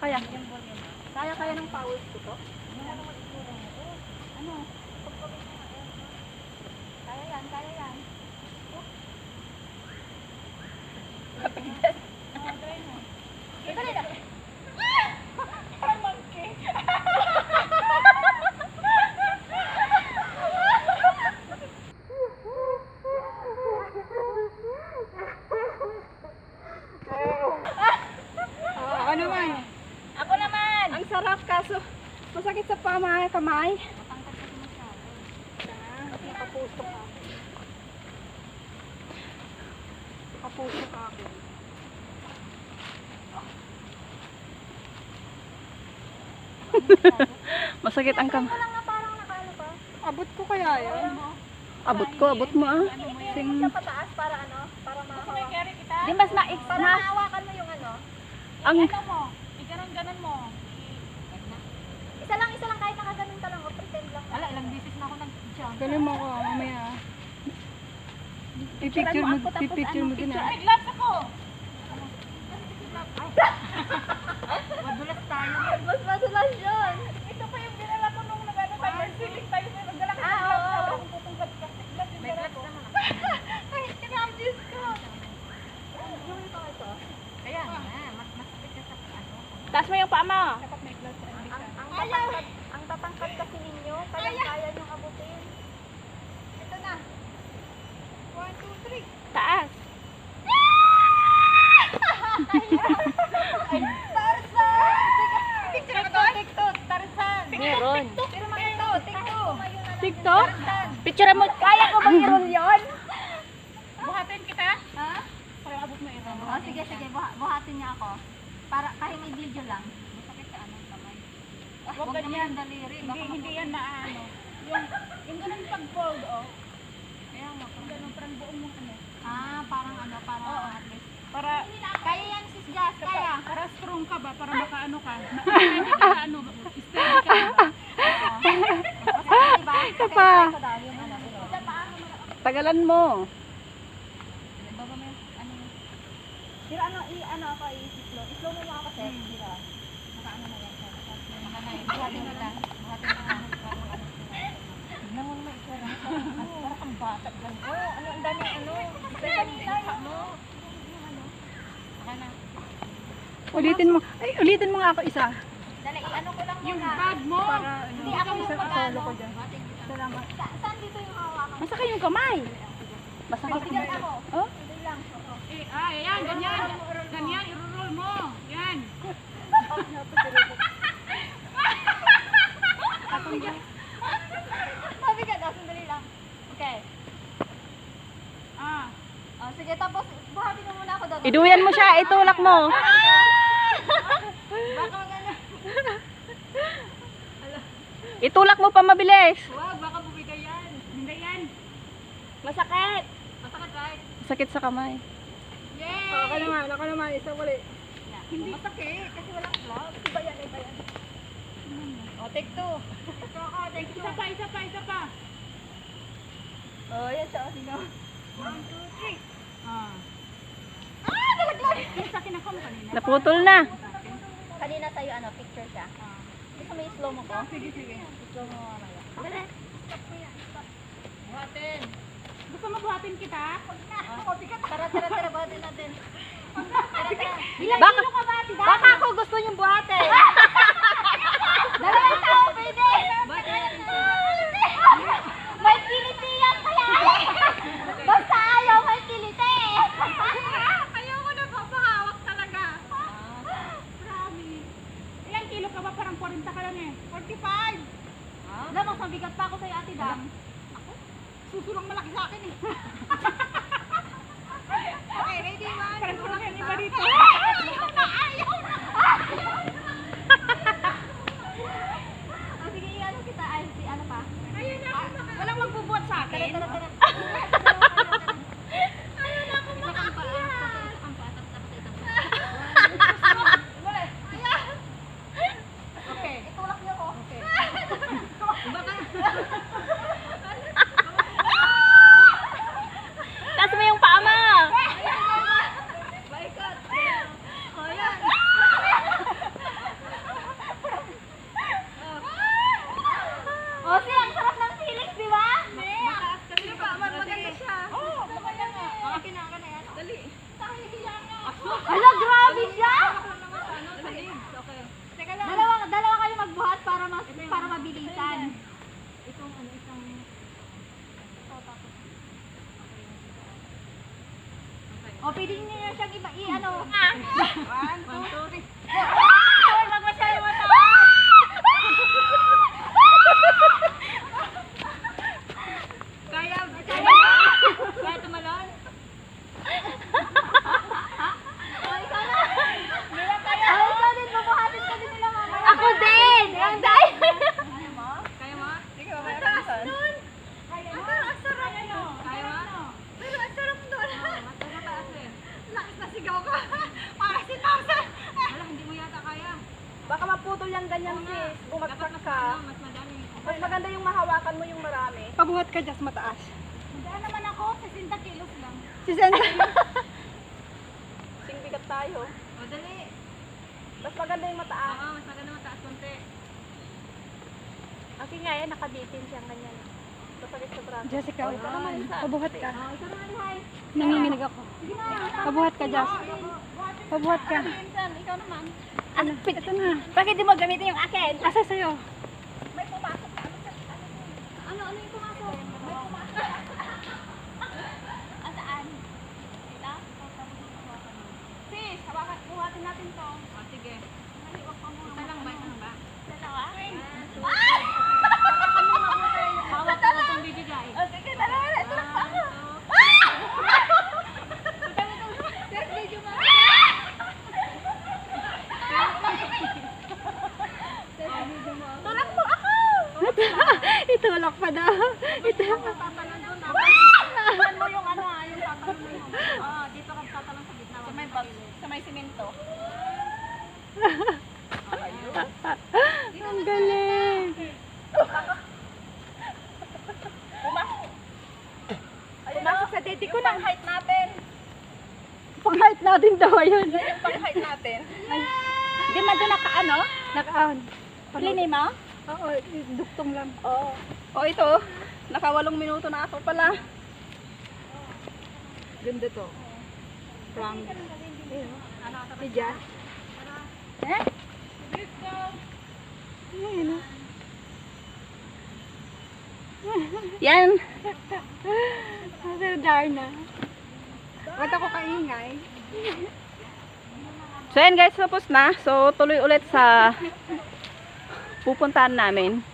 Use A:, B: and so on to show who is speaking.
A: Kaya. Kaya ng powers ko to? Ano? Kaya yan, kaya yan. Ito na. Parang monkey.
B: Ako naman.
A: Ako naman.
B: Ang sarap kaso masakit sa kamay.
A: Matangkad kasi masyado.
B: Kasi nakapuso ka. Nakapuso ka ako. Masakit ang kamay.
A: Lang na parang nakaano pa.
B: Abot ko kaya yan? Abot mo ah. Sing...
A: Siya pataas para ano? Para mahawakan.
B: Di mas
A: Para mahawakan mo yung ano?
B: ang
A: mo. Iganon-ganon mo. Isa lang kahit nakaganon ka lang o pretend lang. Wala, ilang beses na ako nag-jump.
B: galing mo ko mamaya. Pipicture mo din ah.
A: May gloves ako! Madulas tayo. Mas madulas yun. Ito pa yung dinala ko nung nag-ano tayo. Marsiling tayo. May magdala ka ng gloves. Sabi akong putong plastic gloves. May gloves naman ako. Ay, kinamjis ko. Yung ito ito. Kaya nga, masakit ka sa ano.
B: Taas mo yung paa mo.
A: Ang tatangkad kasi ninyo, kaya niyong abutin. Ito na. 1, 2, 3.
B: Taas.
A: Tarzan! TikTok, Tarzan.
B: Meron.
A: Pero TikTok.
B: TikTok? Picture mo. Kaya ko bang i-roll yun?
A: Buhatin kita? Ha?
B: Para abot mo ito.
A: Oh, sige. Buhatin niya ako. Para kahit may video lang. Masakit ka anong kamay.
B: Huwag
A: Huwag naman
B: ganyan.
A: ang daliri.
B: Hindi yan maano. Yung ganun pag-fold, oh.
A: Kaya mo.
B: Ganun, parang buong mong ano.
A: Parang ano, parang
B: Oo.
A: at least.
B: Para,
A: Kaya yan, sis Jazz, kaya.
B: para strong ka ba? Para makaano ka? Hindi ka ano, steady ka ba?
A: Diba?
B: Isa pa.
A: Ito daw, yung ano. Isa pa.
B: Tagalan mo.
A: Baba mo yung ano. Pero ano ako, i-slow mo ako kasi. Sira. Naka-ano na yan. Buhatin mo lang. Tignan mo naman ito. Parang kang bata. Ano, ang daming ano. Isa mo. Baka na.
B: Ulitin mo nga ako isa.
A: Dali, ano ko lang
B: Yung
A: muna.
B: bag mo.
A: Hindi ako yung pag-ano.
B: ko dyan. Salamat.
A: Saan dito yung hawakan?
B: Masakit yung kamay. Masakit
A: Bigyan ako.
B: Oh?
A: Hindi lang.
B: Ayan, ganyan. Ganyan, i-roll mo. Yan.
A: Mabigat. Sandali lang. Okay. Oh, sige, tapos buhatin mo muna ako doon.
B: Iduyan mo siya, itulak mo.
A: Baka magano.
B: Itulak mo pa mabilis.
A: Wag, baka bumigay yan.
B: Hindi yan. Masakit.
A: Masakit, right?
B: Sakit sa kamay.
A: Yay!
B: Ako naman, isa uli.
A: Hindi masakit kasi walang gloves. Iba yan. Oh, take two.
B: Isa pa.
A: Oh, yan siya. Sino? 1, 2, 3. Nalaglag!
B: Sakit ako kanina. Naputol na.
A: Kanina sa'yo, picture siya. Gusto mo i-slow mo ko?
B: Sige.
A: I-slow mo mamaya. Dali.
B: Buhatin. Gusto mo buhatin kita?
A: Tara, buhatin natin.
B: Baka ako gusto niyong buhatin.
A: Dalawang tao, pwede! May kiliti yan kaya! Basta ayaw, may kiliti!
B: Ayoko na papahawak talaga. Promise. Ilang kilo ka ba? Parang 40 ka lang eh. 45.
A: Alam, mas mabigat pa ako sa'yo, Ate Dam.
B: Susulong malaki sa akin eh.
A: Okay, ready, man?
B: Parang kulang yung iba dito.
A: Ayaw na! Oh, sige, ano kita? Ay, si ano pa?
B: Ayun na. Walang magbubuhat sa akin.
A: Tara.
B: Ayun na ako makakiyat. Okay.
A: Itulak niyo ko.
B: Okay.
A: Taas mo yung paa mo! Baikot! O, pwede niyo siyang iba, ano.
B: 1, 2, 3.
A: Wag masyado mataas.
B: Kaya tumalon?
A: Ikaw din, bubuhatin ka din nila mamaya. Ako din! Ang dahil.
B: Kaya mo?
A: Sige, mamaya ka saan.
B: Kaya mo?
A: Ang sarap nun.
B: Kaya mo?
A: Pero ang sarap nun.
B: Mas mataas eh.
A: Lakas na sigaw ka. Para si Tarzan.
B: Wala, hindi mo yata kaya.
C: Baka maputol yung ganyan sis. Bumagsak
B: Dapat mas,
C: ka.
B: mas madami.
C: Mas maganda yung mahawakan mo yung marami.
B: Pabuhat ka dyan, mataas.
A: Magdaan naman ako, 60 kilos lang.
B: Si Sen.
C: Singbigat tayo.
B: O, dali.
C: Mas maganda yung mataas.
B: Oo, mas maganda mataas konti.
C: Kasi nga yan, nakabitin siyang ganyan. Masakit sa braso.
B: Jessica,
C: Oh, ito naman isa.
B: pabuhat ka.
A: Ikaw naman, Hay.
B: Nanginginig ako. Pabuhat ka, Jess. Pabuhat ka.
A: Pinsan, ikaw naman.
B: Ano? Ito na.
A: Bakit di mo gamitin yung akin?
B: Asa sa'yo?
A: May pumasok na. Ano yung pumasok? May pumasok. Saan? Ito? Sis, hawakan, buhatin natin to.
B: O, sige.
A: Maliwag pa muna.
B: Isa lang ba? Isa lang ba?
A: Dalawa?
B: Hawak ko itong bibigay.
A: O sige, dalawa na. Ito lang pa ako. Sis, medyo ma. Tulak mo ako!
B: Itulak pa daw. Itulak.
A: Tatalon mo yung ano yung tatalon mo yung.
B: Oo, dito ka tatalong sa gitna.
A: Sa may simento.
B: Ang galing.
A: Pumasok sa dede ko na. Height natin.
B: Pang-height natin daw yun.
A: Yung pang height natin.
B: Di man doon naka-ano? Naka-on.
A: Linis mo?
B: Oo, duktong lang.
C: Oo. Oh, ito. Naka 8 minuto na ako pala.
B: Ganda to. From si Jess.
C: Eh?
B: Ayun na.
C: Yan.
B: Sir Darna. Ba't ako kaingay?
C: So yan guys, tapos na. So tuloy ulit sa pupuntahan namin.